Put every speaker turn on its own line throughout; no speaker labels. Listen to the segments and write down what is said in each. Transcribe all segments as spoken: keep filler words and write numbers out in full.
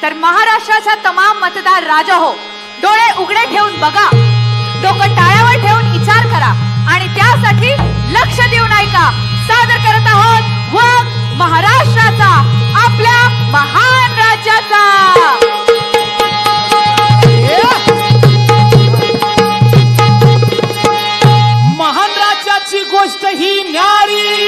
तर महाराष्ट्राचा तमाम मतदार राजा हो, डोळे उघडे ठेवून बघा, डोकं टाळ्यावर ठेवून विचार करा आणि त्यासाठी लक्ष देऊन ऐका. सादर करत आहोत वाघ महाराष्ट्राचा, आपल्या महान राज्याचा.
महान राज्याची गोष्ट ही न्यारी.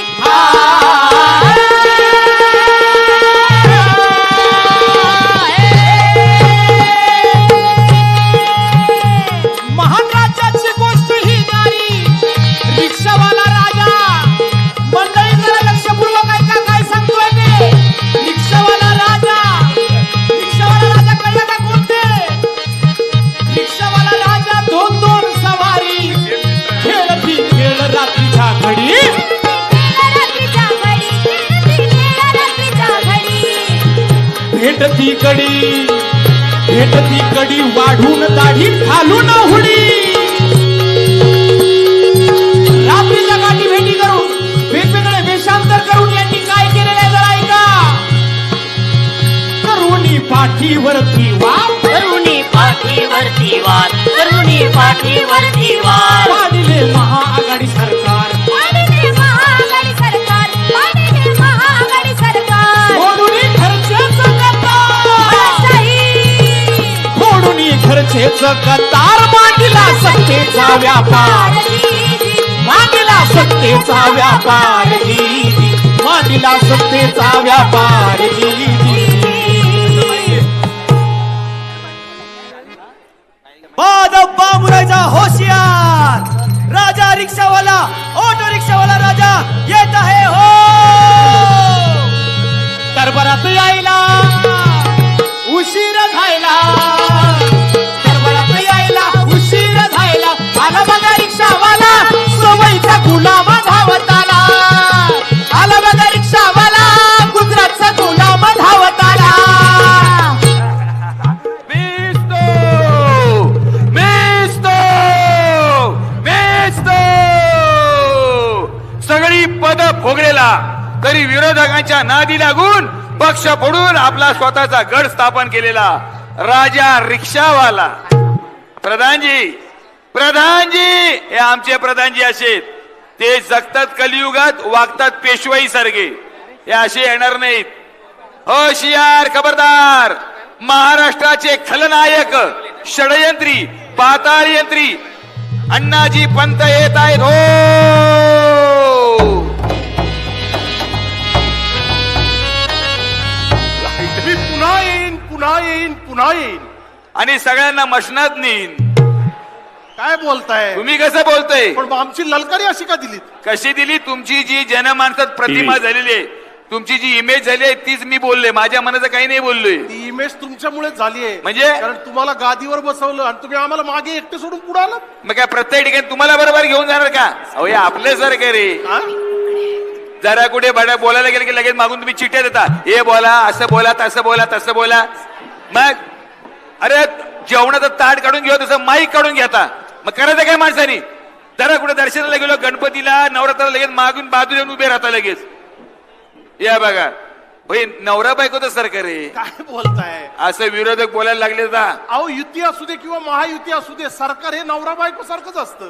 महान राज्याची गोष्ट ही न्यारी. रिक्षावाला राजा, मंडळी जरा लक्षपूर्वक ऐका काय सांगतोय मी. रिक्षावाला राजा, रिक्षावाला राजा कळलं का कोणते? रिक्षावाला राजा दोन दोन सवारी, खेळती खेळ रात्रीच्या घडी. भेटती कडी, भेटती कडी वाढून दाढी घालून हुडी. रात्रीच्या गाठी भेटी करून वेगवेगळे वेषांतर करून यांनी काय केलेलं आहे जरा ऐका. करुणी पाठीवरती वाद,
करुणी पाठीवरती वाद, करुणी पाठीवरती वाद.
पाडिले महाआघाडी सरकार,
पाडिले महाआघाडी सरकार, पाडिले महाआघाडी सरकार.
फोडून खर्चेच कतार, फोडून खर्चेच कतार. मांडला सत्तेचा व्यापार, मांडला सत्तेचा व्यापार जी, मांडला सत्तेचा व्यापार जी.
बादब्बा मुरायचा होशियार राजा, रिक्षावाला ऑटो रिक्षावाला राजा येत आहे हो.
दरबारात यायला उशीर झायला, दरबारात यायला उशीर झायला. आला बघा रिक्षावाला, सवयीचा गुलाम धावत आला. आला बघा रिक्षावाला, गुजरातचा गुलाम धावत आला.
बेचतो, बेचतो, बेचतो. सगळी पद भोगलेला तरी विरोधकांच्या नादी लागून पक्ष फोडून आपला स्वतःचा गड स्थापन केलेला राजा रिक्षावाला. प्रधानजी, प्रधानजी, हे आमचे प्रधानजी असे, ते जगतात कलियुगात, वागतात पेशवाई सारखे. हे असे येणार नाहीत. होशियार, खबरदार. महाराष्ट्राचे खलनायक, षडयंत्री, पाताळ यंत्री अण्णाजी पंत येत आहेत हो.
मी पुन्हा येईन, पुन्हा येईन, पुन्हा येईन.
आणि सगळ्यांना मशनात नेईन.
काय बोलताय
तुम्ही कसं बोलतोय?
पण आमची ललकारी अशी का दिलीत?
कशी दिली? तुमची जी जनमानसात प्रतिमा झालेली आहे, तुमची जी इमेज झाली आहे, तीच मी बोलले. माझ्या मनाचं काही नाही बोललोय.
ती इमेज तुमच्यामुळेच झाली आहे.
म्हणजे?
कारण तुम्हाला गादीवर बसवलं आणि तुम्ही आम्हाला मागे एकटे सोडून पुढे आलात.
मग काय प्रत्येक ठिकाणी तुम्हाला बरोबर घेऊन जाणार का? अहो, हे आपले सारखे रे.
हा?
जरा कुठे बडा बोलायला गेलं की लगेच मागून तुम्ही चिठ्ठ्या देता. हे बोला, असं बोला, तसं बोला, तसं बोला. मग अरे जेवणाचं ताट काढून घेऊ तसं माईक काढून घेता. मग करायचं काय माणसानी? जरा कुठे दर्शनाला गेलो, गणपतीला, नवरात्राला लगेच मागून बाजूला येऊन उभे राहता लगेच. या बघा भाई, नवरा बायकोचं सरकार आहे.
काय बोलताय?
असं विरोधक बोलायला लागले का?
अहो, युती असू दे किंवा महायुती असू दे, सरकार हे नवरा बायको सारखंच असतं.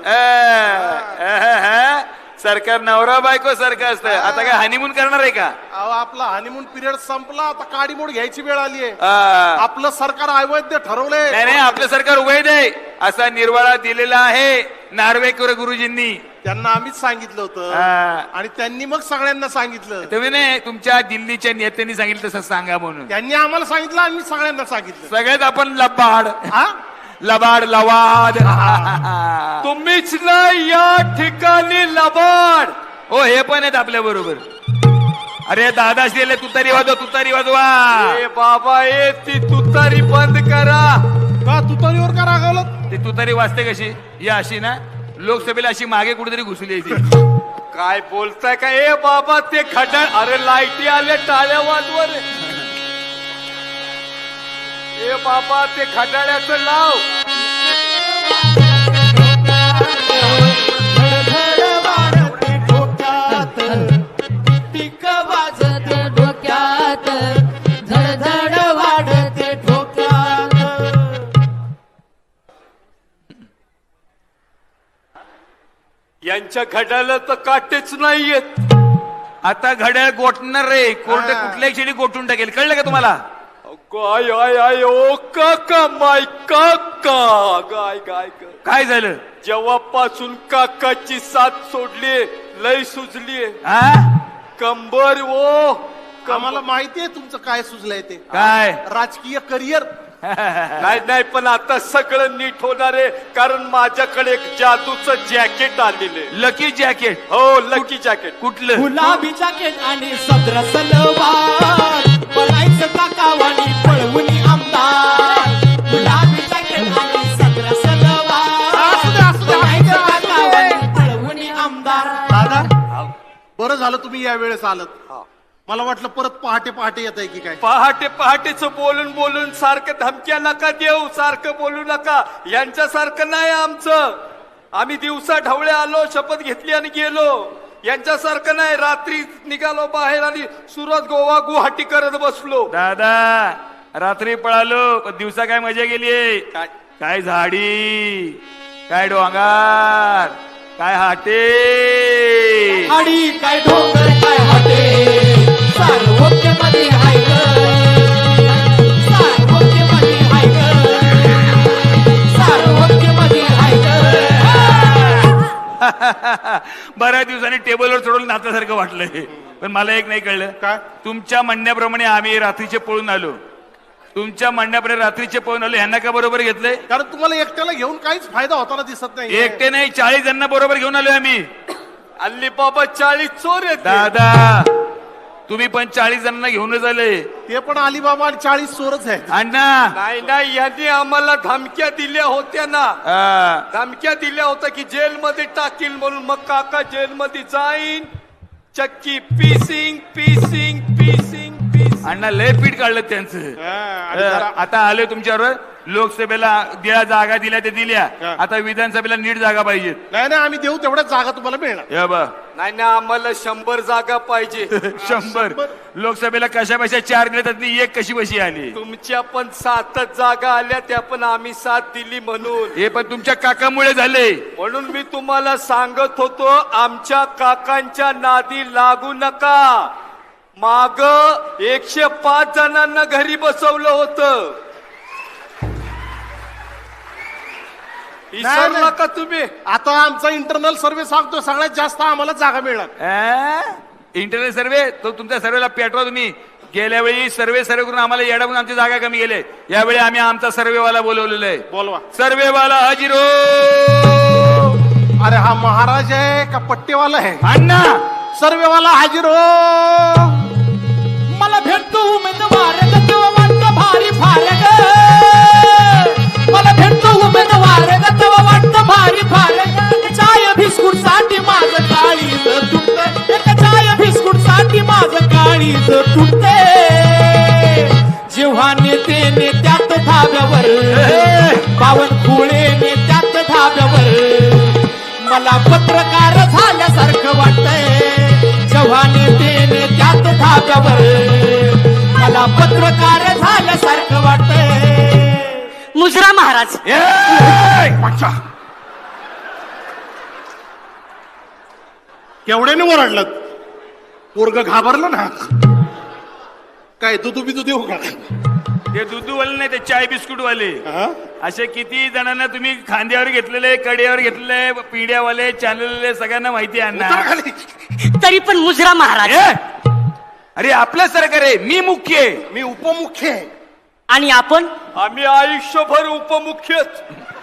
सरकार नवरा बायको सारखं असतं. आता काय हनीमून करणार आहे का?
अहो, आपला हनीमून पिरियड संपला, आता काडीमोड घ्यायची वेळ आली आहे.
आ,
आपलं सरकार अवैध ठरवलंय.
नाही नाही, आपलं सरकार वैध आहे असा निर्वाळा दिलेला आहे नार्वेकर गुरुजींनी.
त्यांना आम्हीच सांगितलं होतं
आ,
आणि त्यांनी मग सगळ्यांना सांगितलं.
तुम्ही नाही, तुमच्या दिल्लीच्या नेत्यांनी सांगितलं तसं सांगा म्हणून.
त्यांनी आम्हाला सांगितलं, आम्ही सगळ्यांना सांगितलं.
सगळ्यात आपण लबाड,
हा?
लबाड, लवाद.
तुम्हीच नाही या ठिकाणी लबाड.
हो, हे पण आहेत आपल्या बरोबर. अरे दादा श्रीले तुतारी वाजवा, तुतारी वाजवा.
ए बाबा, ए ती तुतारी बंद करा.
का तुतारीवर का रागावलं?
ती तुतारी वाजते कशी? या अशी ना, लोकसभेला अशी मागे कुठेतरी घुसली आहे ती.
काय बोलताय का? ए बाबा, ते खड्डा, अरे लाईटी आले, टाळ्या वाजवर. ए बाबा, ते खटाड्याचं लाव.
टिक वाजत डोक्यात, झडझड वाढ यांच्या घड्याला तर काटेच नाहीयेत.
आता घड्याळ गोठणार रे, कोर्ट कुठल्याही क्षणी गोठून टाकेल, कळलं का तुम्हाला?
गाय आय आय ओ काका माय काका गाय गाय ग.
काय झालं?
जेव्हापासून काकाची साथ सोडली लय सुजली
हा?
कंबर ओ
आम्हाला माहिती आहे तुमचं काय सुचलंय ते.
काय?
राजकीय करिअर.
नाही नाही पण आता सगळं नीट होणार आहे, कारण माझ्याकडे एक जादूचं जॅकेट आलेलं आहे.
Lucky jacket?
हो लकी जॅकेट.
कुठलं?
गुलाबी जॅकेट आणि सदर सलवार पळायचं काकावानी पळवून आमदार. गुलाबी जॅकेट आणि सदर सलवार
असू दे, असू दे,
पळायचं
असू दे.
काकावानी पळवून आमदार.
दादा बरं झालं तुम्ही या वेळेस आलत. मला वाटलं परत पहाटे पहाटे येत आहे की काय.
पहाटे पहाटेच बोलून बोलून सारखं धमक्या नका देऊ, सारखं बोलू नका. यांच्यासारखं नाही आमचं. आम्ही दिवसा ढवळे आलो, शपथ घेतली आणि गेलो. यांच्यासारखं नाही, रात्री निघालो बाहेर आणि सुरत गोवा गुवाहाटी करत बसलो.
दादा रात्री पळालो पण दिवसा काय मजा गेली?
काय?
काय झाडी, काय डोंगर, काय हाटे.
आणि काय डोंगर काय हॉटे सार्वत्य मध्ये हाय ग. सार्वत्य मध्ये हाय ग. सार्वत्य मध्ये हाय ग.
बऱ्याच दिवसांनी टेबलवर चढवलं नात्यासारखं वाटलंय. पण मला एक नाही कळलं.
काय?
तुमच्या म्हणण्याप्रमाणे आम्ही रात्रीचे पळून आलो. तुमच्या म्हणण्याप्रमाणे रात्रीचे पळून आलो, ह्यांना का बरोबर घेतलंय?
कारण तुम्हाला एकट्याला घेऊन काहीच फायदा होताना दिसत नाही.
एकटे नाही, चाळीस जणांना बरोबर घेऊन आलोय आम्ही.
अल्ली बाबा चाळीस चोर आहेत.
दादा तुम्ही पण चाळीस जणांना घेऊनच आले.
ते पण अलिबाबा आणि चाळीस चोरच आहेत.
अण्णा
नाही नाही, यांनी आम्हाला धमक्या दिल्या होत्या ना.
हा.
धमक्या दिल्या होत्या की जेलमध्ये टाकील म्हणून. मग काका जेलमध्ये जाईन, चक्की पीसिंग पीसिंग पीसिंग पीसिंग.
अण्णा लय पीठ काढलं त्यांचं.
हा, आणि जरा-
आता आले तुमच्यावर. लोकसभेला ज्या जागा दिल्या त्या दिल्या,
हा.
आता विधानसभेला नीट जागा पाहिजेत.
नाही नाही आम्ही देऊ तेवढ्याच जागा तुम्हाला मिळणार.
या बा
नाही ना, आम्हाला शंभर जागा पाहिजे.
शंभर. लोकसभेला कशा बशा चार दिल्या त्यातली एक कशी बशी आली.
तुमच्या पण सातच जागा आल्या, त्या पण आम्ही साथ दिली म्हणून.
हे पण तुमच्या काकामुळे झाले.
म्हणून मी तुम्हाला सांगत होतो, आमच्या काकांच्या नादी लागू नका. माग एकशे पाच जणांना घरी बसवलं होतं. विसरला का तुम्ही?
आता आमचा इंटरनल सर्व्हे सांगतो सगळ्यात जास्त आम्हाला जागा मिळणार.
इंटरनेट सर्वे तो तुमच्या सर्वेला पेटवा तुम्ही. गेल्या वेळी सर्वे सर्वे करून आम्हाला येडावून आमची जागा कमी गेले. यावेळी आम्ही आमचा सर्वेवाला बोलवलेला आहे.
बोलवा.
सर्वेवाला हजिरो.
अरे हा महाराज आहे का पट्टेवाला आहे?
अण्णा
सर्वेवाला हाजीर हो.
मला भेटतो उमेदवार ग तेव्हा वाटतं भारी फार ग. मला भेटतो उमेदवार ग तेव्हा वाटतं भारी फार ग. चाय बिस्कुट साठी माझं काळीज तुटत. एक चाय बिस्कुट साठी माझं काळीज तुटते. जेव्हा नेते नेत्यात धाब्यावर, बावनकुळे नेत्यात धाब्यावर, मला पत्रकार झाल्यासारखं वाटतंय. जेव्हा नेते नेत्यात धाब्यावर, मला पत्रकार झाल्यासारखं वाटतंय.
मुजरा महाराज.
केवढ्याने ओरडलं? पोरग घाबरलं ना. काय दुधू बिदू देऊ का?
ते दुधूवाले नाही, ते चाय बिस्कुट वाले.
हा?
असे किती जणांना तुम्ही खांद्यावर घेतलेले, कड्यावर घेतलेले, पिढ्यावाले, चाललेले सगळ्यांना माहिती आहे
उतर
अण्णा.
खाली.
तरी पण मुजरा महाराज.
ए! अरे आपलं सरकार आहे, मी मुख्य आहे.
मी उपमुख्य आहे.
आणि आपण
आम्ही आयुष्यभर उपमुख्यच.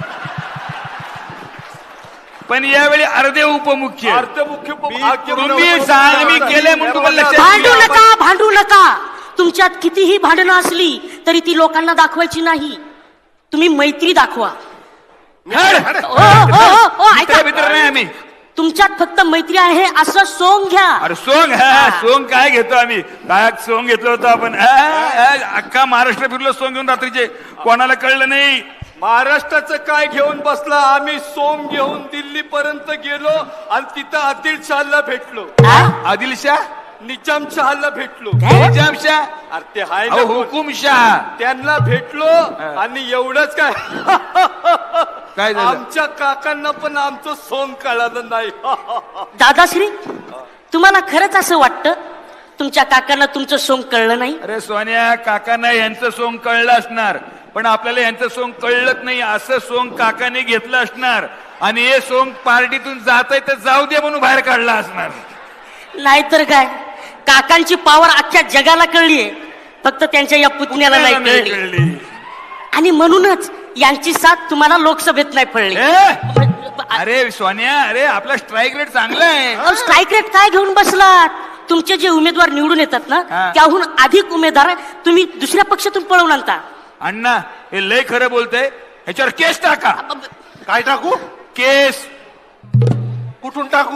पण यावेळी अर्धे उपमुख्य.
अर्धमुख्य
तुम्ही सा- मी केलंय म्हणून तुम्हाला लक्षात
भांडू
येईल.
नका, भांडू नका. तुमच्यात कितीही भांडणं असली तरी ती लोकांना दाखवायची नाही. तुम्ही मैत्री दाखवा.
हड.
ओ, ओ, ओ, ओ, ऐका.
मित्र मित्र नाही आम्ही.
तुमच्यात फक्त मैत्री आहे असं सोंग घ्या.
अरे सोंग हा सोंग काय घेतो आम्ही? काय सोंग घेतलं होतं आपण? आ, आ, अख्खा महाराष्ट्र फिरलो सोंग घेऊन रात्रीचे, कोणाला कळलं नाही.
महाराष्ट्राचं काय घेऊन बसला? आम्ही सोम घेऊन दिल्ली पर्यंत गेलो आणि तिथं आदिल शहाला भेटलो.
आदिलशाह,
निजामशहाला भेटलो.
निजामशाह,
अरे ते हाय ना
अहो,
कोण?
हुकुमशाह.
त्यांना भेटलो आणि एवढंच काय
काय झालं?
आमच्या काकांना पण आमचं सोंग कळालं नाही.
दादाश्री तुम्हाला खरंच असं वाटतं तुमच्या काकांना तुमचं सोंग कळलं नाही?
अरे सोन्या, काकांना यांचं सोंग कळलं असणार, पण आपल्याला यांचं सोंग कळलंच नाही. असं सोंग काकाने घेतलं असणार आणि हे सोंग पार्टीतून जात आहे तर जाऊ दे म्हणून बाहेर काढला असणार.
नाहीतर काय, काकांची पावर अख्ख्या जगाला कळलीये, फक्त त्यांच्या या पुतण्याला नाही
नाही
कळली.
कळली.
आणि म्हणूनच यांची साथ तुम्हाला लोकसभेत नाही पडली.
ए? अरे सोन्या, अरे आपला स्ट्राईक रेट चांगला आहे.
स्ट्राईक रेट काय घेऊन बसलात? तुमचे जे उमेदवार निवडून येतात ना,
हा.
त्याहून अधिक उमेदवार तुम्ही दुसऱ्या पक्षातून पळवून आणता.
अण्णा हे लय खरं बोलतंय, ह्याच्यावर केस टाका.
काय टाकू?
केस.
कुठून टाकू?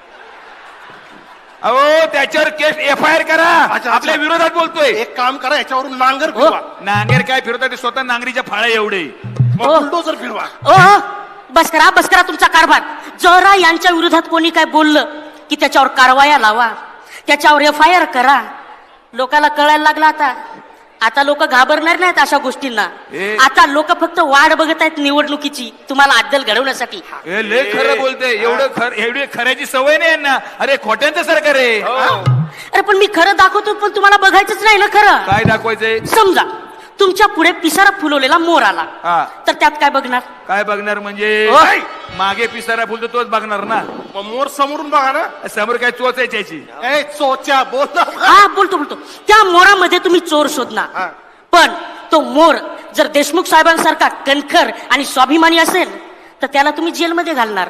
अहो त्याच्यावर केस एफ आय आर करा.
अच्छा.
आपल्या विरोधात बोलतोय.
एक काम करा, याच्यावरून नांगर
हो.
फिरवा.
नांगेर काय फिरवतात ते स्वतः नांगरीच्या फाळ्या एवढे.
मग
हो.
बुलडोजर फिरवा.
ओ हो, बस करा बस करा तुमचा कारभार. जरा यांच्या विरोधात कोणी काय बोललं की त्याच्यावर कारवाया लावा, त्याच्यावर एफ आय आर करा. लोकांना कळायला लागला आता. आता लोक घाबरणार नाहीत अशा गोष्टींना.
ए.
आता लोक फक्त वाट बघत आहेत निवडणुकीची, तुम्हाला अद्दल घडवण्यासाठी.
हे लय खरं बोलतंय. एवढं खर एवढी खऱ्याची सवय नाही यांना. अरे खोट्यांचं सरकार आहे.
अरे पण मी खरं दाखवतो, पण तुम्हाला बघायचंच नाही ना खरं.
काय दाखवायचंय?
समजा तुमच्या पुढे पिसारा फुलवलेला मोर आला,
हा.
तर त्यात काय बघणार?
काय बघणार म्हणजे?
ओय.
मागे पिसारा फुलतो तोच बघणार ना.
मग मोर समोरून बघा ना.
समोर काय चोचायची याची.
ए चोच्या बोल ना.
हा बोलतो बोलतो त्या मोरामध्ये तुम्ही चोर शोधणार,
हा.
पण तो मोर जर देशमुख साहेबांसारखा कणखर आणि स्वाभिमानी असेल तर त्याला तुम्ही जेलमध्ये घालणार.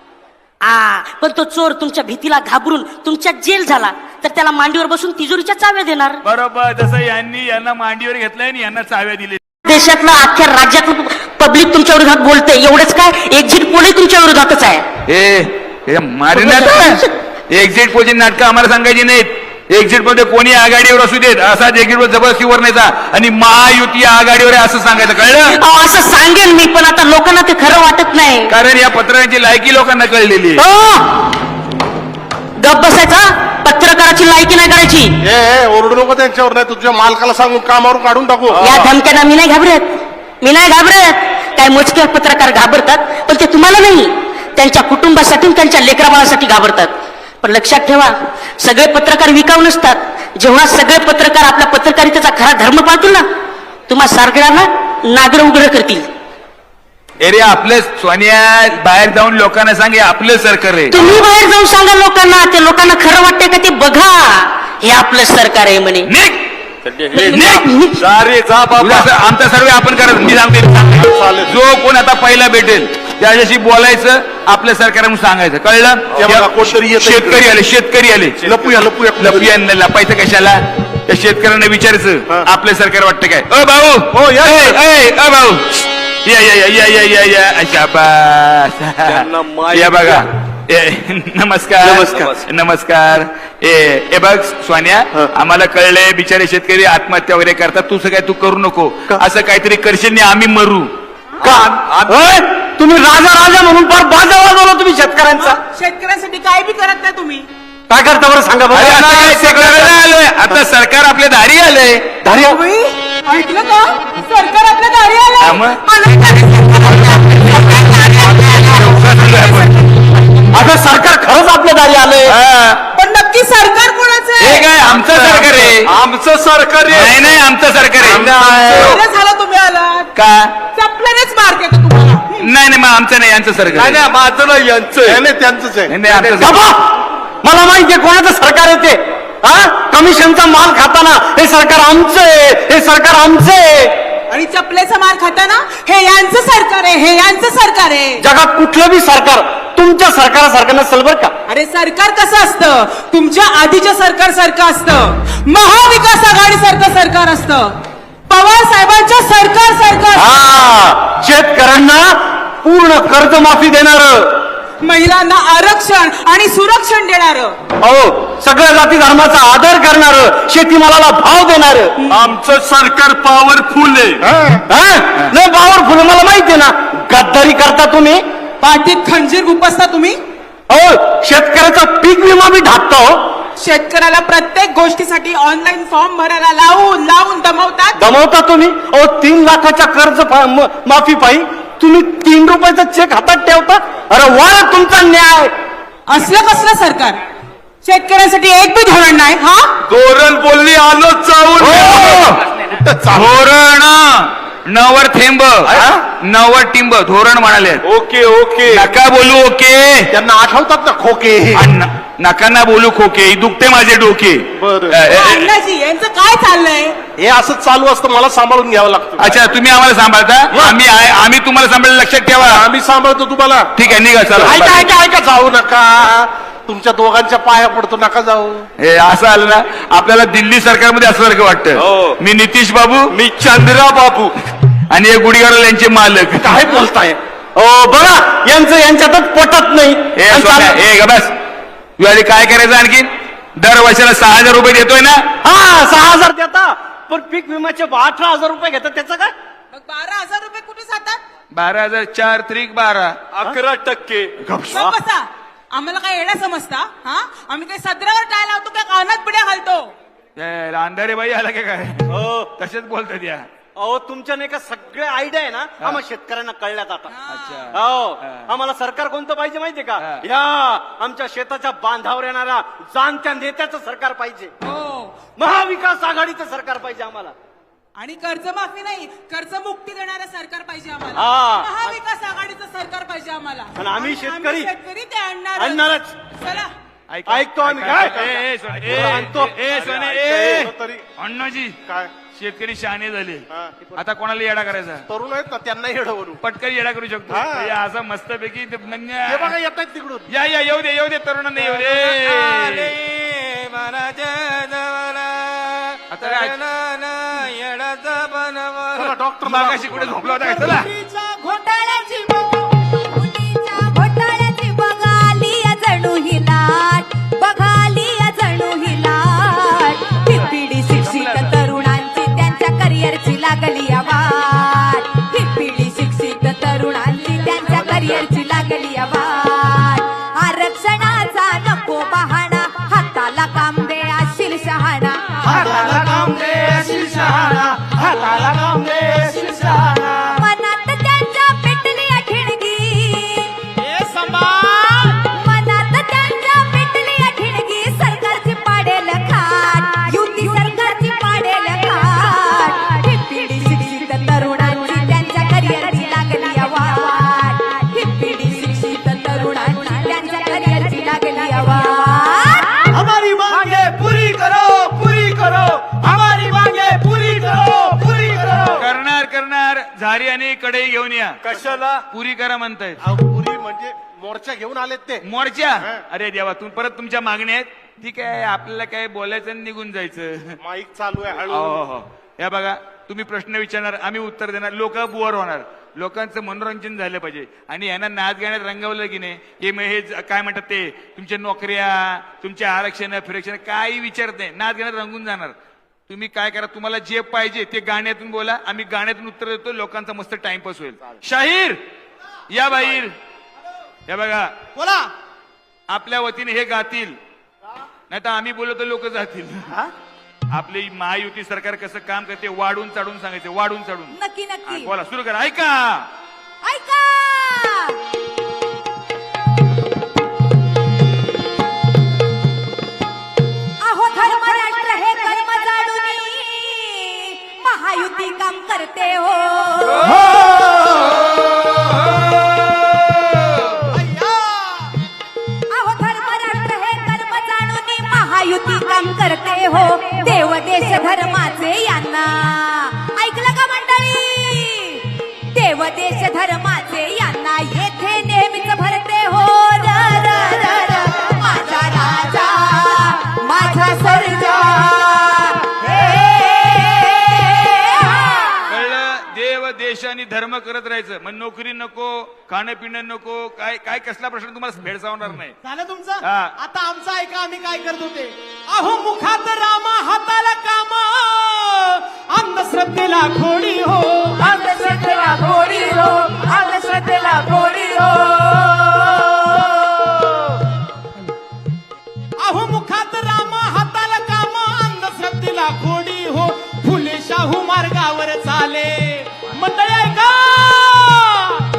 आ पण तो चोर तुमच्या भीतीला घाबरून तुमच्या जेल झाला तर त्याला मांडीवर बसून तिजोरीच्या चाव्या देणार.
बरोबर, जसं यांनी यांना मांडीवर घेतलंय आणि यांना चाव्या दिले.
देशातलं अख्ख्या राज्यातलं पब्लिक तुमच्या विरोधात बोलते. एवढंच काय, एक्झिट पोलही तुमच्या विरोधातच आहे.
हे मारिनात एक्झिट पोलची नाटकं आम्हाला सांगायची नाहीत. एक्झिट मध्ये कोणी आघाडीवर असू देत, असाच एक्झिट वर जबरदस्तीवर न्यायचा आणि महायुती आघाडीवर आहे असं सांगायचं, कळलं?
अहो, असं सांगेन मी, पण आता लोकांना ते खरं वाटत नाही.
कारण या पत्रांची लायकी लोकांना कळलेली आहे.
हो, गप बसायचा. पत्रकाराची लायकी नाही करायची.
ए ए, ओरडू नको त्यांच्यावर, नाही तुझ्या मालकाला सांगून कामावरून काढून टाकू.
या धमक्यांना मी नाही घाबरत, मी नाही घाबरत. काय मोजके पत्रकार घाबरतात, पण ते तुम्हाला नाही, त्यांच्या कुटुंबासाठी त्यांच्या लेकराबाळासाठी घाबरतात. पण लक्षात ठेवा, सगळे पत्रकार विकाऊ नसतात. जेव्हा सगळे पत्रकार आपल्या पत्रकारितेचा खरा धर्म पाळतील ना, तुम्हा सारगळ्यांना नागर उघड करतील.
अरे आपलं सोनिया, बाहेर जाऊन लोकांना सांगे आपलं सरकार आहे.
तुम्ही बाहेर जाऊन सांगा लोकांना, ते लोकांना खरं वाटतंय का ते बघा. हे आपलं सरकार आहे म्हणे.
निघ.
निघ.
जा रे जा बाबा.
तुला असं आमचा सर्वे आपण करत. मी सांगते,
चालेल.
जो कोण आता पहिला भेटेल त्याच्याशी बोलायचं, आपलं सरकार म्हणून सांगायचं, कळलं?
हे बघा, कोणतरी येतंय.
शेतकरी आले, शेतकरी आले.
लपूया लपूया
लपिया लपायचं कशाला? त्या शेतकऱ्यांना विचारायचं
हा.
आपलं सरकार वाटतं काय? अ भाऊ,
हो, या.
ए, ए, अ भाऊ, या या या या या या या
त्यांना
शाबास.
माहित
या बघा. ए, नमस्कार
नमस्कार.
नमस्कार. ए ए बघ सोन्या, आम्हाला कळलंय बिचारे शेतकरी आत्महत्या वगैरे करतात. तू काय तू करू नको, असं काहीतरी करशील नाही आम्ही मरू.
तुम्ही राजा राजा म्हणून फार बाजा वाजवला तुम्ही शेतकऱ्यांचा.
शेतकऱ्यांसाठी काय बी करत नाही तुम्ही.
काय करता बरं सांगा
अरे आता काय ते
बरं.
करायला आलोय, आता सरकार आपल्या दारी आलंय.
धारी
तुम्ही ऐकलं का? सरकार आपल्या दारी आलं.
त्यामुळे
आता सरकार खरंच आपल्या दारी आलंय.
हा.
पण नक्की सरकार कोणाचं
हे
आहे?
काय आमचं सरकार आहे?
आमचं सरकार आहे.
नाही नाही आमचं सरकार आहे.
बरं झालं तुम्ही आलात.
का?
चपल्यानेच मार केला तुम्हाला.
नाही नाही मग आमचं नाही, यांचं सरकार
नाही
आहे.
नाही, माझं नाही यांचं
नाही
आहे.
नाही, त्यांचंच आहे.
नाही, नाही, आमचं सरकार.
बाबा, मला माहितीये कोणाचं सरकार आहे ते. हा, कमिशनचा माल खाताना हे सरकार आमचं आहे, हे सरकार आमचं आहे.
आणि चपलेचा मार खाताना हे यांचं सरकार आहे, हे यांचं सरकार आहे.
जगात कुठलं बी सरकार तुमच्या सरकारासारखं नसेल बरं का.
अरे सरकार कसं असतं? तुमच्या आधीच्या सरकार सारखं असतं. महाविकास आघाडी सारखं सरकार असतं. पवार साहेबांच्या सरकार सारखं.
हा, शेतकऱ्यांना पूर्ण कर्जमाफी देणार,
महिलांना आरक्षण आणि सुरक्षण देणार.
अहो सगळ्या जाती धर्माचा आदर करणार, शेतीमालाला भाव देणार.
आमचं सरकार पॉवरफुल आहे.
नाही पॉवरफुल, मला माहितीये ना. गद्दारी करता तुम्ही.
पाठीत खंजीर गुपसता तुम्ही.
अहो शेतकऱ्याचा पीक विमा बी ढाकता. हो,
शेतकऱ्याला प्रत्येक गोष्टीसाठी ऑनलाईन फॉर्म भरायला लावून लावून दमवतात.
दमवता तुम्ही. अहो तीन लाखाच्या कर्ज फा- म- माफी पायी
तुम्ही तीन रुपयाचा चेक हातात ठेवता. अरे वा तुमचा न्याय.
असलं कसलं सरकार? शेतकऱ्यांसाठी एक बी धोरण नाही. हा
धोरण बोलली आलो चावून. धोरण नवर थेंब नवर टिंब धोरण म्हणाले.
Okay okay.
नका बोलू ओके.
त्यांना आठवतात ना खोके.
अण्णा, नका ना बोलू खोके दुखते माझे डोके.
बरं.
अ, अ,
अण्णाजी यांचं काय चाललंय?
हे असं चालू असतं मला सांभाळून घ्यावं लागतं.
अच्छा तुम्ही आम्हाला सांभाळता. आम्ही आहे- आम्ही तुम्हाला सांभाळलं लक्षात ठेवा.
आम्ही सांभाळतो तुम्हाला.
ठीक आहे निघा चला.
ऐका ऐका ऐका जाऊ नका. तुमच्या दोघांच्या पाया पडतो नका जाऊ.
हे असं आलं ना आपल्याला दिल्ली सरकारमध्ये असल्यासारखं
हो.
वाटतं. मी नितीश बाबू
मी चंद्रा बाबू.
आणि हे गुढीगाडल यांचे मालक.
काय बोलताय?
ओ बघा यांचं यांच्यातच पटत नाही.
हे सोन्या, हे ग बस यावेळी काय करायचं आणखीन दर वर्षाला सहा हजार रुपये देतोय ना.
हा सहा हजार देता पण पीक विम्याचे अठरा हजार रुपये घेतात त्याचं काय?
मग बारा हजार रुपये कुठे जातात?
बारा हजार चार त्रिक बारा
अकरा टक्के.
मग कसा? आम्हाला काय येणं समजता? हा आम्ही काही सदरावर टाय लावतो काय कानात पिढ्या घालतो?
हे अंधारे बाई आला का काय तसेच बोलतात या.
अहो तुमच्या नाही का सगळे आयडिया आहे ना आम्हाला शेतकऱ्यांना कळल्यात आता.
अच्छा
हो आम्हाला सरकार कोणतं पाहिजे माहितीये का?
हा.
या आमच्या शेताच्या बांधावर येणाऱ्या जाणत्या नेत्याचं सरकार पाहिजे.
हो.
महाविकास आघाडीचं सरकार पाहिजे आम्हाला.
आणि कर्जमाफी नाही कर्जमुक्ती देणारं सरकार पाहिजे
हा.
आम्हाला. महाविकास आघाडीचं सरकार पाहिजे आम्हाला.
आणि आम्ही शेतकरी
शेतकरी ते आणणार
आणणारच.
चला
ऐका-
ऐकतो आम्ही.
ऐका-
काय?
ए, ए, सोने, ए,
आणतो.
ए, ए, सोने,
अरे,
ए.
ऐकतो तरी.
अण्णाजी
काय
शेतकरी शहाणे झाले.
हा.
आता कोणाला येडा करायचा?
तरुण आहेत ना त्यांना येडवरू.
पटकन येडा करू शकतो.
हा.
हे असं मस्तपैकी ते नन्या-
हे बघा येत आहेत तिकडून.
या या येऊ दे येऊ दे तरुणांना येऊ दे. आता काय?
चला, डॉक्टर
मागाशी कुठे झोपला होता काय? चला
घोटाळ्याची
मुलीच्या घोटाळ्याची बघाली जणू ही लाट बघाली जणू ही लाट ही पिढी शिक्षित तरुणांची त्यांच्या करिअरची लागली वाट ही पिढी शिक्षित तरुणांची त्यांच्या करिअरची लागली वाट आरक्षणाचा नको बहाणा हाताला काम दे अशील शहाणा
हाताला काम दे अशील शहाणा. हाताला काम दे अशील शहाणा.
मनात त्यांच्या पेटली ठिणगी
हे सांभाळ.
मनात त्यांच्या पेटली ठिणगी सरकारची पाडेल खाट युती सरकारची पाडेल खाट ही पिढी शिक्षित तरुणांची त्यांच्या करिअरची लागली वाट ही पिढी शिक्षित तरुणांची त्यांच्या करिअरची लागली वाट
हमारी मांगे पूरी करो पूरी करो. हमारी मांगे पूरी करो पूरी करो.
करणार करणार झारी आणि कढई घेऊन या.
कशाला?
पुरी करा म्हणतायत.
अहो, पुरी म्हणजे मोर्चा घेऊन आलेत ते.
मोर्चा. अरे देवा तुम्ही परत तुमच्या मागण्या आहेत. ठीक आहे आपल्याला काय बोलायचं आणि निघून जायचं.
माईक चालू आहे
हो
हळू.
हो हो. या बघा तुम्ही प्रश्न विचारणार आम्ही उत्तर देणार लोक बुवर होणार. लोकांचं मनोरंजन झालं पाहिजे आणि यांना नाच गाण्यात रंगवलं की नाही हे मग हे ज- काय म्हणतात ते तुमच्या नोकऱ्या तुमच्या आरक्षण फिरक्षण काही विचारत नाही. नाच गाण्यात रंगून जाणार. तुम्ही काय करा तुम्हाला जे पाहिजे ते गाण्यातून बोला. आम्ही गाण्यातून उत्तर देतो. लोकांचा मस्त टाइमपास होईल. शाहीर या बाहेर. या बघा
बोला.
आपल्या वतीने हे गातील नाही तर आम्ही बोललो तर लोक जातील. आपली महायुती सरकार कसं काम करते वाढून चढून सांगायचे वाढून चढून.
नक्की
हा,
नक्की
बोला सुरू करा. ऐका
ऐका अहो धर्मराष्ट्र हे कर्म जाणून महायुती काम करते हो अहो धर्मराष्ट्र हे कर्म जाणून महायुती काम करते हो देव देश धर्माचे यांना ऐकलं का मंडळी देव देश धर्माचे यांना येथे नेहमीच भरते हो र र र र माझा राजा माझा सर्जा हे
कळलं. देव देश आणि धर्म करत राहायचं मग नोकरी नको खाणं पिणं नको काय काय कसला प्रश्न तुम्हाला भेडसावणार नाही.
झालं तुमचं.
हा.
आता आमचं ऐका आम्ही काय करत होते. अहो मुखात रामा हाताला काम अंधश्रद्धेला खोडी हो अंधश्रद्धेला खोडी हो अंधश्रद्धेला खोडी हो. अहो मुखात रामा हाताला काम अंधश्रद्धेला खोडी हो फुले शाहू मार्गावर चाले. मंडळी ऐका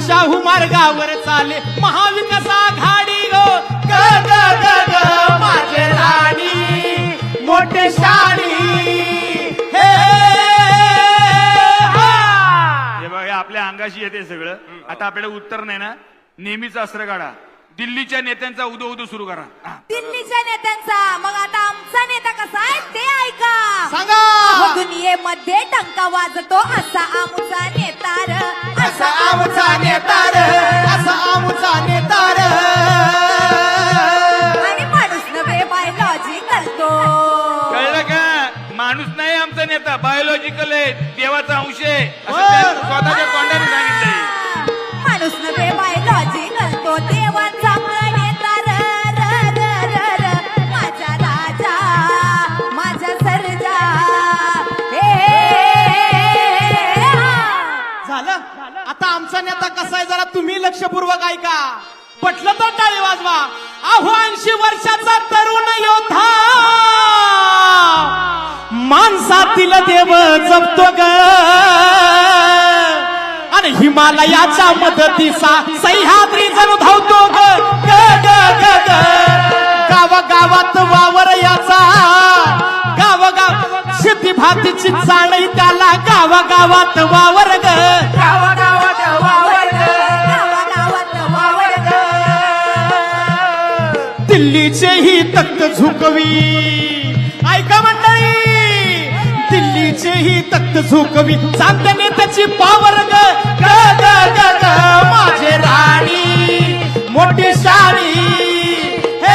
शाहू मार्गावर चाले महाविकास आघाडी गो ग ग ग ग माझे राणी मोठे शाणी हे हा.
हे बघा आपल्या अंगाशी येते सगळं. आता आपल्याला उत्तर नाही ना, नेहमीच अस्त्र काढा. दिल्लीच्या नेत्यांचा उदो उदो सुरू करा. हा.
दिल्लीच्या नेत्यांचा. मग आता आमचा नेता कसा आहे ते ऐका.
सांगा.
अहो, दुनियेमध्ये टंका वाजतो असा आमचा नेता र,
असा आमचा नेता र, असा आमचा नेता र.
आणि माणूस नव्हे बायोलॉजिकल तो.
कळलं का? माणूस नाही आमचा नेता, बायोलॉजिकल आहे, देवाचा अंश आहे असं त्यांनी स्वतःच्या तोंडाने सांगितलंय.
माणूस नव्हे बायोलॉजिकल तो देवाचा नेता र, र, र, र, र. माझा राजा माझा सर्जा हे, हा.
झालं. आता आमचा नेता कसा आहे जरा तुम्ही लक्षपूर्वक ऐका. पटलं तर टाळी वाजवा. अहो ऐंशी वर्षाचा तरुण योद्धा माणसातील देव जपतो ग आणि हिमालयाच्या मदतीचा सह्याद्री जणू धावतो ग ग ग ग ग. गावागावात वावर याचा गावगाव शेती भातीची चाळी त्याला गावागावात वावर ग गावागावात वावर ग
गावागावात वावर ग.
दिल्लीचे ही तख्त झुकवी. ऐका मंडळी, दिल्लीचे ही तख्त झुकवी चांगल्या नेत्याची पावर ग ग ग ग ग. माझे राणी मोठी शाणी हे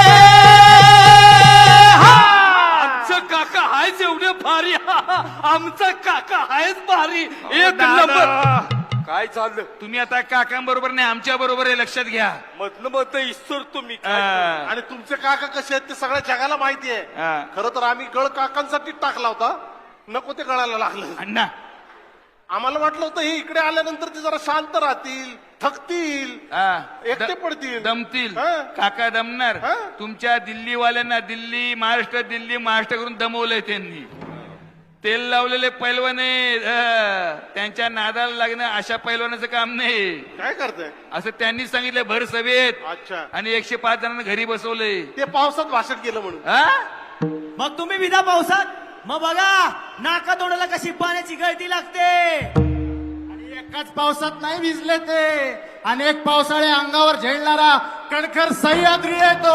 हा.
आमचं काका आहेच एवढे भारी. आमचा काका आहेच भारी. एक
दादा.
नंबर. काय चाललं?
तुम्ही आता काकांबरोबर नाही आमच्या बरोबर आहे, लक्षात घ्या.
मधलं मत ईश्वर तुम्ही काय?
हा.
आणि तुमचे काका कसे आहेत ते सगळ्या जगाला माहिती आहे.
हा.
खरं तर आम्ही गळ काकांसाठी टाकला होता, नको ते गळायला लागलं.
अण्णा
आम्हाला वाटलं होतं हे इकडे आल्यानंतर ते जरा शांत राहतील, थकतील,
हा.
एकटे
द-
पडतील,
दमतील.
हा.
काका दमणार.
हा.
तुमच्या दिल्लीवाल्यांना दिल्ली महाराष्ट्र दिल्ली महाराष्ट्र करून दमवलंय त्यांनी. तेल लावलेले पैलवान आहेत. हा. त्यांच्या नादाला लागणं अशा पैलवानाचं काम नाही.
काय करताय?
असं त्यांनी सांगितलं भर सभेत.
अच्छा,
आणि एकशे पाच जणांना घरी बसवलंय.
ते पावसात भाषण केलं म्हणून.
हा?
मग तुम्ही विधा पावसात मग बघा नाका तोंडाला कशी पाण्याची गळती लागते. आणि एकाच पावसात नाही भिजले ते, अनेक पावसाळे अंगावर झेलणारा कणखर सह्याद्री येतो.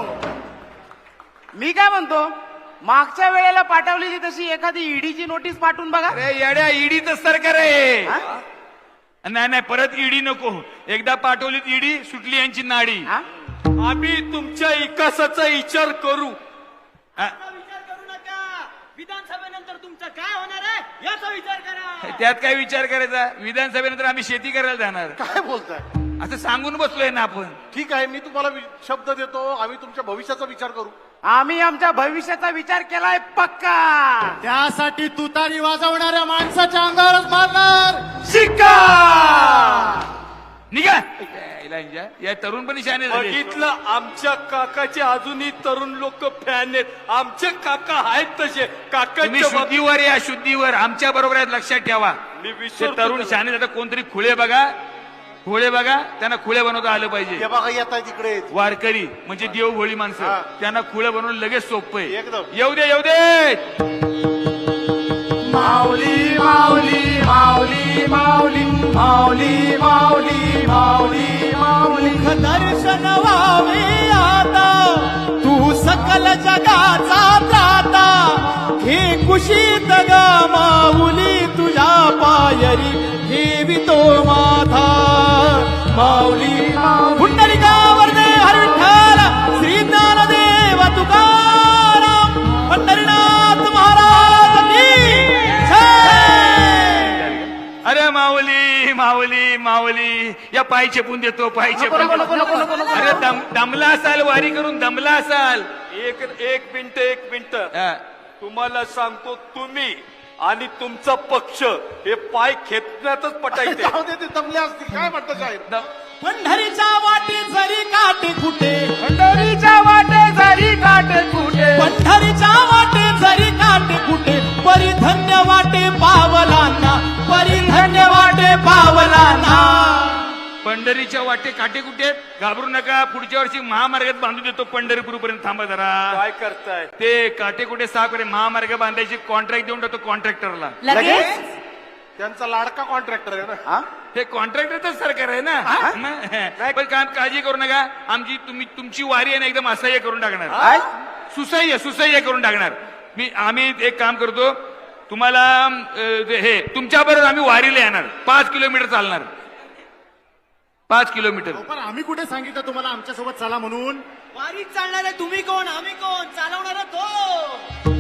मी काय म्हणतो, मागच्या वेळेला पाठवलेली तशी एखादी ईडीची नोटीस पाठवून बघा.
अरे येड्या, ईडीचं सरकार आहे. नाही नाही, परत ईडी नको. एकदा पाठवलीत ईडी, सुटली यांची नाडी.
हा?
आम्ही तुमच्या विकासाचा विचार करू.
हा.
विधानसभेनंतर तुमचं काय होणार आहे याचा विचार करा.
त्यात काय विचार करायचा? विधानसभेनंतर आम्ही शेती करायला जाणार
काय बोलताय?
असं सांगून बसलोय ना आपण.
ठीक आहे, मी तुम्हाला वि- शब्द देतो, आम्ही तुमच्या भविष्याचा विचार करू.
आम्ही आमच्या भविष्याचा विचार केलाय पक्का.
त्यासाठी तुतारी वाजवणाऱ्या माणसाच्या अंगावरच मारणार
शिक्का निघा. याला इंजा. या तरुण पण शाने झाले.
बघितलं, आमच्या काकाचे अजूनही तरुण लोक फॅन आहेत. आमचे काका आहेत तसे.
तुम्ही
काकांच्या बाबतीत
शुद्धीवर या शुद्धीवर आमच्या बरोबर आहेत, लक्षात ठेवा.
मी
ते
विसरतो
तरुण
त्याला.
शाने आता कोणतरी खुळे बघा, खुळे बघा, त्यांना खुळे बनवता आलं पाहिजे.
हे बघा येत आहे तिकडे.
वारकरी म्हणजे देवभोळी
हा.
माणसं, त्यांना खुळे बनवून लगेच सोपं आहे.
एकदम.
येऊ दे येऊ दे.
माऊली माऊली माऊली माऊली माऊली माऊली माऊली माऊली दर्शन व्हावे आता तू सकल जगाचा त्राता. हे कुशीत ग माऊली तुझ्या पायरी ठेवितो माथा. माऊली पुंडलिकावर दे हर विठ्ठल श्री ज्ञानदेव तुकाराम पंढरीनाथ महाराज की जय.
अरे माऊली माऊली माऊली, या पाय चेपून देतो, पाय चेपून देतो. अरे दम दमला असाल, वारी करून दमला असाल.
एक एक मिनिट एक मिनिट
हा.
तुम्हाला सांगतो, तुम्ही आणि तुमचा पक्ष हे पाय खेचण्यातच पटायचे.
जाऊ दे, ते दमले असतील. काय म्हणता साहेब?
दम-
पंढरीच्या वाटे जरी काटे कुठे
पंढरीच्या वाटे जरी काटे कुठे,
पंढरीच्या वाटे जरी काटे कुठे परिधन्य वाटे पावलांना परिधन्य वाटे पावलांना.
पंढरीच्या वाटे काटे कुठे आहेत? घाबरू नका, पुढच्या वर्षी महामार्गात बांधून देतो पंढरपूर पर्यंत. थांबा जरा.
काय करताय?
ते काटे कुठे साफ करे महामार्ग बांधायची कॉन्ट्रॅक्ट देऊन टाकतो कॉन्ट्रॅक्टरला.
लगेच
त्यांचा लाडका कॉन्ट्रॅक्टर आहे ना.
ते कॉन्ट्रॅक्टरच सरकार आहे ना. मग, पण काय काळजी करू नका, आमची तुम्ही तुमची वारी आहे ना एकदम असह्य करून टाकणार. सुसह्य सुसह्य करून टाकणार. मी आम्ही एक काम करतो, तुम्हाला अं, हे तुमच्या बरोबर आम्ही वारीला येणार. पाच किलोमीटर चालणार. पाच किलोमीटर.
पण आम्ही कुठे सांगितलं तुम्हाला आमच्या सोबत चला म्हणून?
वारीत चालणारे तुम्ही कोण, आम्ही कोण, चालवणारा तो.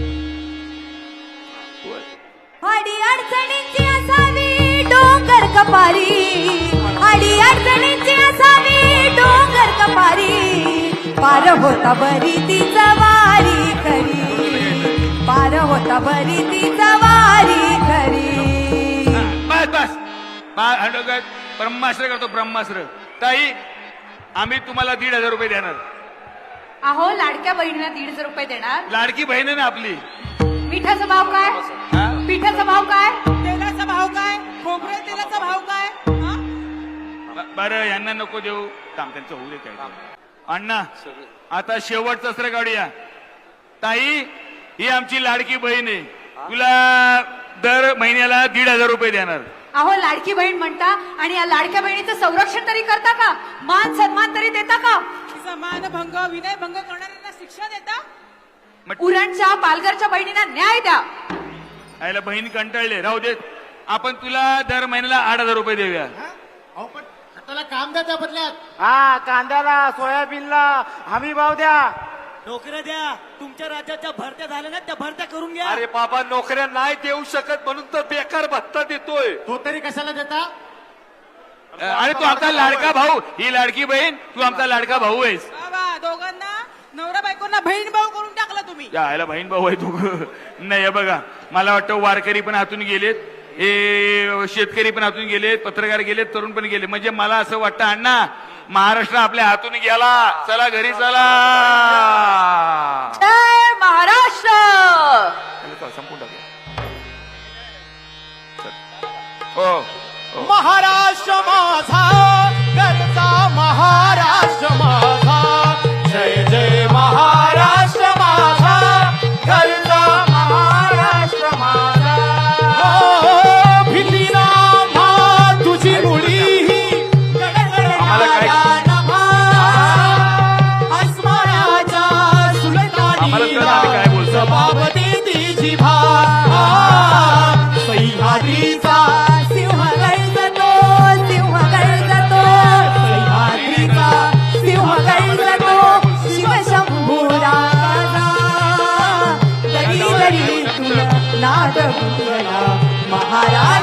अडी अडचणींची असावी डोंगर कपारी, अडी अडचणींची असावी डोंगर कपारी, पार होता बरी ती वारी खरी, पार होता बरी ती वारी खरी.
बस बस बस ब्रह्मास्त्र करतो ब्रह्मास्त्र. ताई आम्ही तुम्हाला दीड हजार रुपये देणार.
अहो लाडक्या बहिणीला दीड हजार रुपये देणार.
लाडकी बहीण आहे ना आपली.
मिठाचा भाव काय?
हा?
पिठाचा भाव काय?
तेलाचा भाव काय? खोबऱ्या तेलाचा भाव काय? हा?
ब- बरं यांना नको देऊ. थांब, त्यांचं होऊ दे काय. अण्णा आता शेवटचं अस्त्र काढूया. ताई ही आमची लाडकी बहीण आहे, तुला दर महिन्याला दीड हजार रुपये देणार.
अहो लाडकी बहीण म्हणता आणि या लाडक्या बहिणीचं संरक्षण तरी करता का? मान सन्मान तरी देता का?
समानभंग विनयभंग करणाऱ्यांना शिक्षा देता?
मग
उरणच्या पालघरच्या बहिणींना न्याय द्या.
आईला बहीण कंटाळले, राहू देत. आपण तुला दर महिन्याला आठ हजार रुपये देऊया.
अहो पण त्याला काम द्या त्या बदल्यात.
हा, कांद्याला सोयाबीनला हमी भाव द्या.
नोकऱ्या द्या. तुमच्या राज्याच्या भरत्या झाल्या ना, त्या भरत्या करून घ्या.
अरे बाबा, नोकऱ्या नाही देऊ शकत म्हणून तर बेकार भत्ता देतोय.
तो तरी कशाला देता?
अरे तू आमचा लाडका भाऊ, ही लाडकी बहीण, तू आमचा लाडका भाऊ आहेस.
बाबा दोघांना नवरा बायकोंना बहीण भाऊ करून टाकला तुम्ही.
यायला बहीण भाऊ आहे तू. नाही हे बघा, मला वाटतं वारकरी पण हातून गेलेत, हे शेतकरी पण हातून गेलेत, पत्रकार गेलेत, तरुण पण गेले. म्हणजे मला असं वाटतं अण्णा, महाराष्ट्र आपल्या हातून गेला. चला घरी चला.
जय महाराष्ट्र.
संपून टाकूया. हो हो.
महाराष्ट्र माझा घरचा, महाराष्ट्र माझा. जय जय महाराष्ट्र माझा घरचा, महाराष्ट्र माझा. हो, भिल्लीना म्हा तुझी मुळी
आम्हाला काय-
अस्मानाच्या
आम्हाला कळलं आम्ही काय बोलतो.
जबाब देती जिभा. सह्याद्रीचा
सिंह गरजतो, सिंह गरजतो,
सह्याद्रीचा
सिंह गरजतो, शिवशंभू राजा. दरी दरी तुला नाद गुंजला महाराज.